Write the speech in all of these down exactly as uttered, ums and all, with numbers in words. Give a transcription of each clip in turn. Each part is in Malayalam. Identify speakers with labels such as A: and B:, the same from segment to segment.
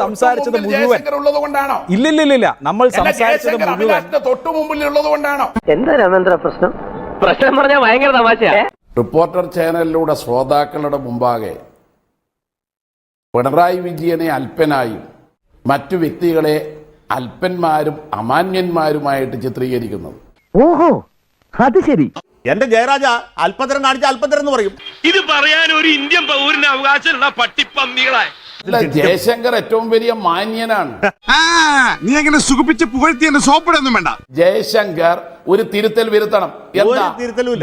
A: സംസാരിച്ചത് മുഴുവൻ ഇല്ലില്ലില്ല നമ്മൾ സംസാരിച്ചത് മുഴുവൻ
B: തൊട്ടു മുമ്പിൽ ഉള്ളതുകൊണ്ടാണോ?
C: എന്താ രാമേന്ദ്ര പ്രശ്നം? പ്രശ്നം പറഞ്ഞാൽ ഭയങ്കര തമാശയാ.
B: റിപ്പോർട്ടർ ചാനലിലൂടെ ശ്രോതാക്കളുടെ മുമ്പാകെ പിണറായി വിജയനെ അല്പനായും മറ്റു വ്യക്തികളെ അല്പന്മാരും അമാന്യന്മാരുമായിട്ട് ചിത്രീകരിക്കുന്നത്.
C: ഓഹോ, അത് ശരി.
D: എന്റെ ജയരാജ അല്പതരം കാണിച്ച അല്പതരം എന്ന് പറയും.
E: ഇത് പറയാൻ ഒരു ഇന്ത്യൻ പൗരന് അവകാശമുള്ള പട്ടിപ്പന്നികളെ.
B: ജയശങ്കർ ഏറ്റവും വലിയ മാന്യനാണ്.
F: നീ അങ്ങനെ സുഖിപ്പിച്ച് പുകഴ്ത്തി എന്റെ സോപ്പിടൊന്നും വേണ്ട.
B: ജയശങ്കർ ഒരു തിരുത്തൽ വരുത്തണം. എന്താ
D: തിരുത്തലുമില്ല.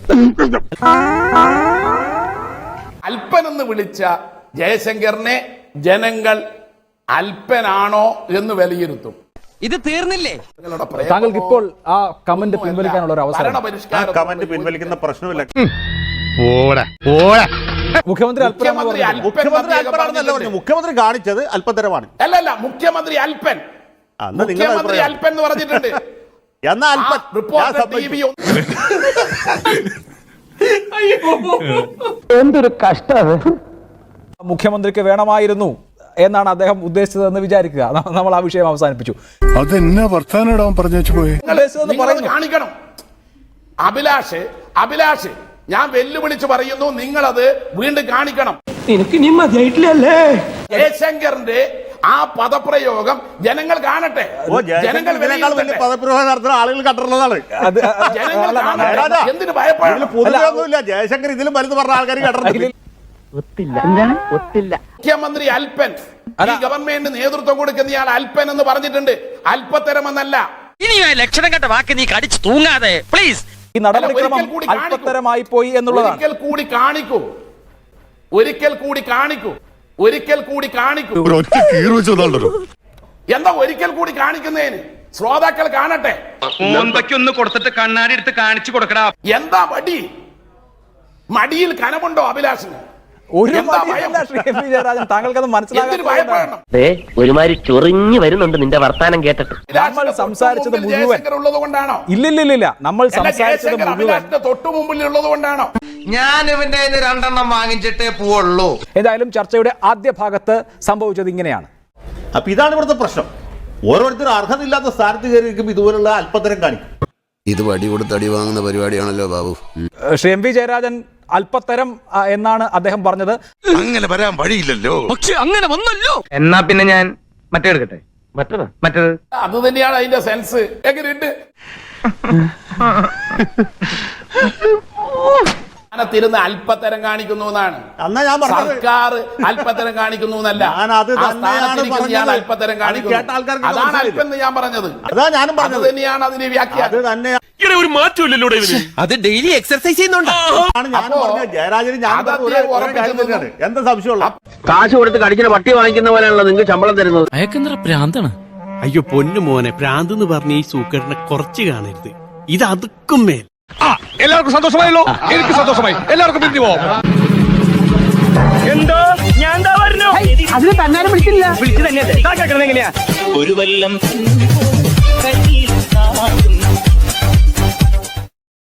B: അല്പൻ എന്ന് വിളിച്ച ജയശങ്കറിനെ ജനങ്ങൾ അല്പനാണോ എന്ന് വിലയിരുത്തും.
G: ഇത് തീർന്നില്ലേ?
A: താങ്കൾക്ക് ഇപ്പോൾ ആ കമന്റ് പിൻവലിക്കാനുള്ള ഒരു അവസരം.
D: കമന്റ് പിൻവലിക്കുന്ന പ്രശ്നമില്ല.
A: മുഖ്യമന്ത്രി
D: മുഖ്യമന്ത്രി കാണിച്ചത് അല്പതരമാണ്.
B: അല്ലല്ല, മുഖ്യമന്ത്രി അല്പൻ. മുഖ്യമന്ത്രി അല്പൻ എന്ന് പറഞ്ഞിട്ടുണ്ട്.
D: എന്നാ അല്പൻ
C: എന്തൊരു കഷ്ടം.
A: മുഖ്യമന്ത്രിക്ക് വേണമായിരുന്നു എന്നാണ് അദ്ദേഹം ഉദ്ദേശിച്ചതെന്ന് വിചാരിക്കുക. നമ്മൾ ആ വിഷയം അവസാനിപ്പിച്ചു.
F: അതെന്നാ വർത്താനം പറഞ്ഞു പോയി
B: കാണിക്കണം. അഭിലാഷ് അഭിലാഷ് ഞാൻ വെല്ലുവിളിച്ച് പറയുന്നു, നിങ്ങളത് വീണ്ടും കാണിക്കണം.
C: എനിക്ക് നീ മതിയായിട്ടില്ലല്ലേ?
B: ജയശങ്കറിന്റെ ആ പദപ്രയോഗം ജനങ്ങൾ കാണട്ടെ. ജനങ്ങൾ
D: പദപ്രയോഗം നടത്തുന്ന ആളുകൾ കണ്ടിട്ടുള്ളതാണ്.
B: എന്തിനു ഭയപ്പെടില്ല?
D: ജയശങ്കർ ഇതിലും വലുത് പറഞ്ഞ ആൾക്കാർ കണ്ടിട്ടില്ല.
B: മുഖ്യമന്ത്രി അല്പൻ, ഈ ഗവൺമെന്റ് നേതൃത്വം കൊടുക്കുന്നയാൾ അല്പൻ എന്ന് പറഞ്ഞിട്ടുണ്ട്. അല്പത്തരമെന്നല്ല.
G: ഇനി ലക്ഷണം കണ്ട വാക്ക് നീ കടിച്ചു തൂങ്ങാതെ പ്ലീസ്.
A: ഈ നടപടിക്രമം അല്പത്തരമായി പോയി എന്നുള്ളതാണ്.
B: ഒരിക്കൽ കൂടി കാണിക്കൂ, ഒരിക്കൽ കൂടി കാണിക്കൂ, ഒരിക്കൽ കൂടി കാണിക്കൂ. എന്താ ഒരിക്കൽ കൂടി കാണിക്കുന്നതിന്? ശ്രോതാക്കൾ കാണട്ടെ.
E: ഒന്ന് കൊടുത്തിട്ട് കണ്ണാടി എടുത്ത് കാണിച്ചു കൊടുക്കടാ.
B: എന്താ മടി? മടിയിൽ കനമുണ്ടോ അഭിലാഷിന്?
A: ഒരു താങ്കൾക്കത് മനസ്സിലാക്കാൻ
C: ഒരുമാതിരി ചൊറിഞ്ഞു വരുന്നുണ്ട് നിന്റെ വർത്താനം കേട്ടിട്ട്.
A: നമ്മൾ സംസാരിച്ചത് മുഴുവൻ
B: ഉള്ളതുകൊണ്ടാണോ?
A: ഇല്ലില്ലില്ല നമ്മൾ സംസാരിച്ചത് മുഴുവൻ
B: തൊട്ടു മുമ്പിൽ ഉള്ളതുകൊണ്ടാണോ?
G: ഞാൻ ഇവന്റെ രണ്ടെണ്ണം വാങ്ങിച്ചിട്ടേ പോവുള്ളൂ.
A: ഏതായാലും ചർച്ചയുടെ ആദ്യ ഭാഗത്ത് സംഭവിച്ചത് ഇങ്ങനെയാണ്.
D: അപ്പൊ ഇതാണ് ഇവിടുത്തെ പ്രശ്നം. ഓരോരുത്തരും അർഹതയില്ലാത്ത സ്ഥാനത്ത് കയറിയിരിക്കും ഇതുപോലുള്ള അല്പത്തരം കാണിക്കും.
H: ഇത് വടി കൊടുത്ത് അടി വാങ്ങുന്ന പരിപാടിയാണല്ലോ ബാബു.
A: ശ്രീ എം വി ജയരാജൻ അല്പത്തരം എന്നാണ് അദ്ദേഹം പറഞ്ഞത്.
F: അങ്ങനെ വരാൻ വഴിയില്ലല്ലോ.
G: പക്ഷെ അങ്ങനെ വന്നല്ലോ. എന്നാ പിന്നെ ഞാൻ മറ്റേ എടുക്കട്ടെ. മറ്റേത് മറ്റേത്
B: അത് തന്നെയാണ് അതിന്റെ സെൻസ്. എങ്ങനെയുണ്ട്? തിരുന്ന് അല്പത്തരം കാണിക്കുന്നു എന്നാണ്. സർക്കാർ അല്പത്തരം കാണിക്കുന്നു എന്നല്ല. അല്പത്തരം കാണിക്കുന്നു. അതാണ് അല്പം ഞാൻ പറഞ്ഞത്. അത് തന്നെയാണ് അതിന് വ്യാഖ്യാനം.
E: ഒരു മാറ്റമില്ലല്ലോ.
G: അത് ഡെയിലി എക്സർസൈസ് ചെയ്യുന്നുണ്ടോ?
D: എന്താ സംശയമുള്ള?
C: കാശ് കൊടുത്ത് കടിക്കുന്ന പട്ടി വാങ്ങിക്കുന്ന പോലെയാണല്ലോ നിങ്ങൾക്ക് ശമ്പളം തരുന്നത്.
G: അയക്കെന്താ പ്രാന്താണ്?
I: അയ്യോ പൊന്നു മോനെ, പ്രാന്ത് എന്ന് പറഞ്ഞ ഈ സൂക്കേടിനെ കുറച്ച് കാണരുത്. ഇത് അതുക്കും മേൽ.
E: എല്ലാവർക്കും സന്തോഷമായല്ലോ. എനിക്ക് സന്തോഷമായി. എല്ലാവർക്കും പിരിഞ്ഞു പോവാം. എന്തോ ഞാൻ പറഞ്ഞു.
C: അതിന് തന്നാലും വിളിച്ചില്ല.
E: വിളിച്ചു തന്നെ എങ്ങനെയാ
I: ഒരു വല്ലം